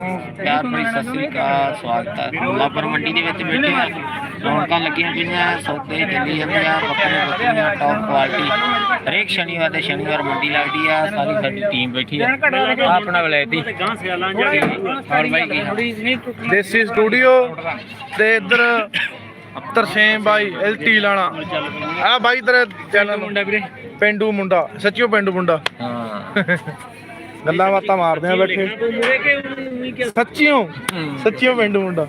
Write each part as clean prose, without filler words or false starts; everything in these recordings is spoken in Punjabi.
प्यार भरी सत श्री अकाल स्वागत है। लाबर मंडी के बैठे हैं, रौनक लगियां पईयां, सौदे चली जाते हैं, बकरे बकरियां टॉप क्वालिटी। हरेक शनिवार के शनिवार मंडी लगती है। सारी साडी टीम बैठी है अपना वलैती और भाई देसी स्टूडियो ते इधर तरसेम भाई एलटी लाना आ भाई तेरे चैनल मुंडा वीरे पेंडू मुंडा सच्चियो पेंडू मुंडा हां गल्लां बातां मारदे आ बैठे सच्चियों पेंडू मुंडा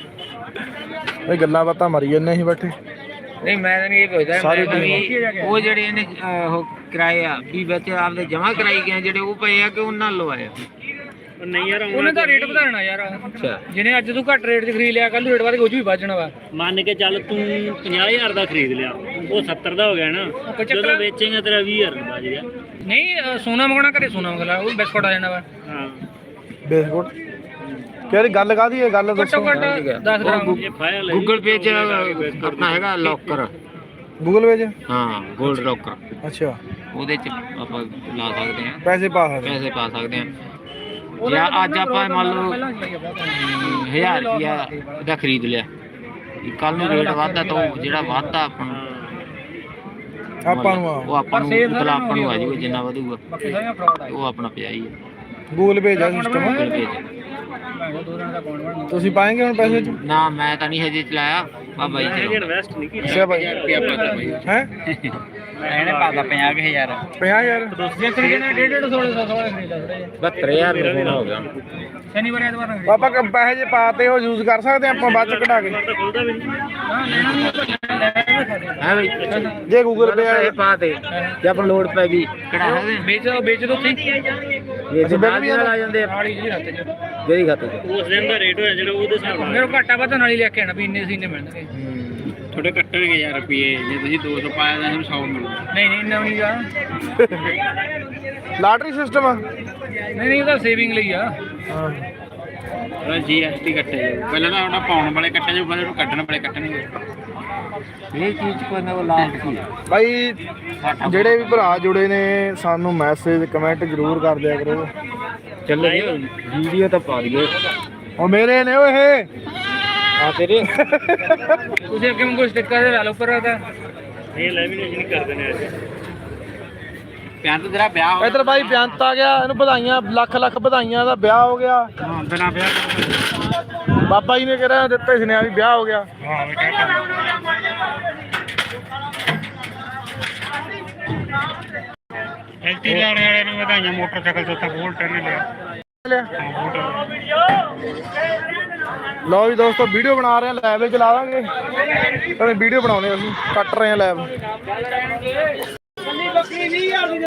भाई गल्लां बातां मारी जन्ने ही बैठे। नहीं मैं तो नहीं पुछदा सारी वो जेडे इहने किराए आ भी बच्चे आपने जमा कराई गए जेडे वो पए आ कि उन्हां लवाए नहीं यार ਉਹਨੇ ਤਾਂ ਰੇਟ ਵਧਾਣਾ ਯਾਰ अच्छा ਜਿਹਨੇ ਅੱਜ ਤੋਂ ਘੱਟ ਰੇਟ 'ਚ ਖਰੀਦ ਲਿਆ ਕੱਲ ਨੂੰ ਰੇਟ ਵੱਧ ਕੇ ਉਹ 'ਚ ਵੀ ਵੱਧ ਜਾਣਾ ਵਾ ਮੰਨ ਕੇ ਚੱਲ ਤੂੰ 50000 ਦਾ ਖਰੀਦ ਲਿਆ ਉਹ 70 ਦਾ ਹੋ ਗਿਆ ਨਾ ਜਦੋਂ ਵੇਚੇਗਾ ਤੇਰਾ 20000 ਬਚ ਗਿਆ। ਨਹੀਂ ਸੋਨਾ ਮੰਗਣਾ ਘਰੇ ਸੋਨਾ ਮੰਗਲਾ ਉਹ ਬਿਸਕੁਟ ਆ ਜਾਣਾ ਵਾ ਹਾਂ ਬਿਸਕੁਟ ਕਿਹੜੀ ਗੱਲ ਕਾਦੀ ਹੈ ਗੱਲ ਦੱਸੋ। ਘੱਟੋ ਘੱਟ 10 ਗ੍ਰਾਮ ਇਹ ਫਾਇਲ गूगल पे च अपना हैगा लॉकर ਗੂਗਲ ਵੇਜ हाँ गोल्ड लॉकर ਅੱਛਾ ਉਹਦੇ ਚ ਆਪਾਂ ਲਾ ਸਕਦੇ ਹਾਂ ਪੈਸੇ ਪਾ ਸਕਦੇ ਪੈਸੇ ਪਾ ਸਕਦੇ ਹਾਂ। ਜਾਂ ਅੱਜ ਆਪਾਂ ਮੰਨ ਲਓ 1000 ਰੁਪਿਆ ਦਾ ਖਰੀਦ ਲਿਆ ਕੱਲ ਨੂੰ ਰੇਟ ਵੱਧਦਾ ਤਾਂ ਉਹ ਜਿਹੜਾ ਵੱਧਦਾ ਆਪਾਂ ਨੂੰ ਆਪਾਂ ਨੂੰ ਉਹ ਆਪਾਂ ਨੂੰ ਮਤਲਬ ਆਪਾਂ ਨੂੰ ਆ ਜਾਊਗਾ ਜਿੰਨਾ ਵਧੂਗਾ ਬਾਕੀ ਸਾਰੀਆਂ ਫਰਾਡ ਆ ਉਹ ਆਪਣਾ ਪਿਆ ਹੀ ਹੈ ਗੂਗਲ ਪੇ ਦਾ ਸਿਸਟਮ Google Pay 'ਚ। ਮੈਂ ਕਿਹਾ 2 ਦਿਨ ਦਾ ਅਕਾਊਂਟ ਬਣਨਾ ਤੁਸੀਂ ਪਾਏਂਗੇ ਹੁਣ ਪੈਸੇ ਚ ਨਾ ਮੈਂ ਤਾਂ ਨਹੀਂ ਹਜੇ ਚਲਾਇਆ ਬਾਬਾ ਜੀ ਚਲਾਉਂਦਾ। ਇਨਵੈਸਟ ਨਹੀਂ ਕੀਤਾ ਅੱਛਾ ਭਾਈ ਹੈ ਇਹਨੇ ਪਾਦਾ 50000 50000 ਜੇ ਖਰੀਦਣਾ 150 1600 ਖਰੀਦਾ ਥੋੜੇ 72000 ਰੁਪਏ ਹੋ ਗਿਆ ਸ਼ਨੀਵਾਰ ਐਤਵਾਰ ਨੂੰ ਆਪਾਂ ਪੈਸੇ ਜੇ ਪਾਤੇ ਉਹ ਯੂਜ਼ ਕਰ ਸਕਦੇ ਆਪਾਂ ਬਾਅਦ ਚ ਕਢਾ ਕੇ ਤਾਂ ਖੁੱਲਦਾ ਵੀ ਨਹੀਂ। ਹਾਂ ਲੈਣਾ ਨਹੀਂ ਆਪਾਂ ਲੈ ਕੇ ਖਾਦੇ ਹੈ ਬਈ ਜੇ ਗੂਗਲ ਪੇ ਪੈਸੇ ਪਾ ਤੇ ਜੇ ਆਪਾਂ ਲੋਡ ਪੈ ਗਈ ਕਢਾ ਸਕਦੇ ਵੇਚ ਦੋ ਤੁਸੀਂ ਇਹ ਜਿੰਨਾ ਵੀ ਆ ਜਾਂਦੇ ਆ ਨਾਲੀ ਜੀ ਹੱਥ 'ਚ ਜਿਹੜੀ ਖਾਤੇ 'ਚ ਉਸ ਦਿਨ ਦਾ ਰੇਟ ਹੋਇਆ ਜਿਹੜਾ ਉਹਦੇ ਹਿਸਾਬ ਨਾਲ ਮੇਰੇ ਘਾਟਾ ਵਧਣ ਵਾਲੀ ਲੈ ਕੇ ਆਣਾ ਵੀ ਇੰਨੇ ਸੀਨੇ ਮਿਲਣਗੇ ਥੋੜੇ ਕੱਟਣਗੇ ਯਾਰ ਰੁਪਏ ਜੇ ਤੁਸੀਂ 200 ਪਾਇਆ ਤਾਂ ਤੁਹਾਨੂੰ 100 ਮਿਲੂ ਨਹੀਂ ਨਹੀਂ ਇੰਨਾ ਵੀ ਨਹੀਂ ਆ ਲਾਟਰੀ ਸਿਸਟਮ ਆ ਨਹੀਂ ਨਹੀਂ ਉਹਦਾ ਸੇਵਿੰਗ ਲਈ ਆ ਹਾਂ ਉਹਦਾ GST ਕੱਟੇ ਜਾਊ ਪਹਿਲਾਂ ਤਾਂ ਉਹਦਾ ਪਾਉਣ ਵਾਲੇ ਕੱਟੇ ਜਾਊ ਬਾਅਦ ਵਿੱਚ ਕੱਢਣ ਵਾਲੇ ਕੱਟਣਗੇ ਇਹ ਚੀਜ਼ ਕੋਈ ਨਾ ਉਹ ਲਾਸਟ ਕੀ ਆ ਭਾਈ ਜਿਹੜੇ ਵੀ ਭਰਾ ਜੁੜੇ ਨੇ ਸਾਨੂੰ ਮੈਸੇਜ ਕਮੈਂਟ ਜ਼ਰੂਰ ਕਰ ਦਿਆ ਕਰੋ। ਚੱਲੋ ਵੀਡੀਓ ਤਾਂ ਪਾ ਦਈਏ ਉਹ ਮੇਰੇ ਨੇ ਉਹ ਇਹ ਆ ਤੇਰੇ ਤੁਸੀਂ ਅੱਗੇ ਮੈਨੂੰ ਸਟicker ਦੇ ਲਾ ਲਓ ਉੱਪਰ ਦਾ ਇਹ ਲੈਮੀਨੇਸ਼ਨ ਕਰਦੇ ਨੇ ਅੱਜ ਪਿਆਰ ਤੇ ਤੇਰਾ ਵਿਆਹ ਇਧਰ ਭਾਈ ਬੇਅੰਤ ਆ ਗਿਆ ਇਹਨੂੰ ਵਧਾਈਆਂ ਲੱਖ ਲੱਖ ਵਧਾਈਆਂ ਦਾ ਵਿਆਹ ਹੋ ਗਿਆ। ਹਾਂ ਬਿਨਾ ਵਿਆਹ ਬਾਬਾ ਜੀ ਨੇ ਕਿਹਾ ਦਿੱਤੇ ਸੁਨੇਹਾ ਵੀ ਵਿਆਹ ਹੋ ਗਿਆ। ਐਲਟੀ ਲਾਣੇ ਵਾਲੇ ਨੂੰ ਵਧਾਈਆਂ ਮੋਟਰਸਾਈਕਲ ਤੋਂ ਤਾਂ ਬੋਲਟ ਨੇ ਲਿਆ ਲਓ ਜੀ ਦੋਸਤੋ ਵੀਡੀਓ ਬਣਾ ਰਹੇ ਆ ਲਾਈਵ ਵਿੱਚ ਲਾ ਦਾਂਗੇ ਵੀਡੀਓ ਬਣਾਉਣੇ ਅਸੀਂ ਕੱਟ ਰਹੇ ਆ ਲਾਈਵ।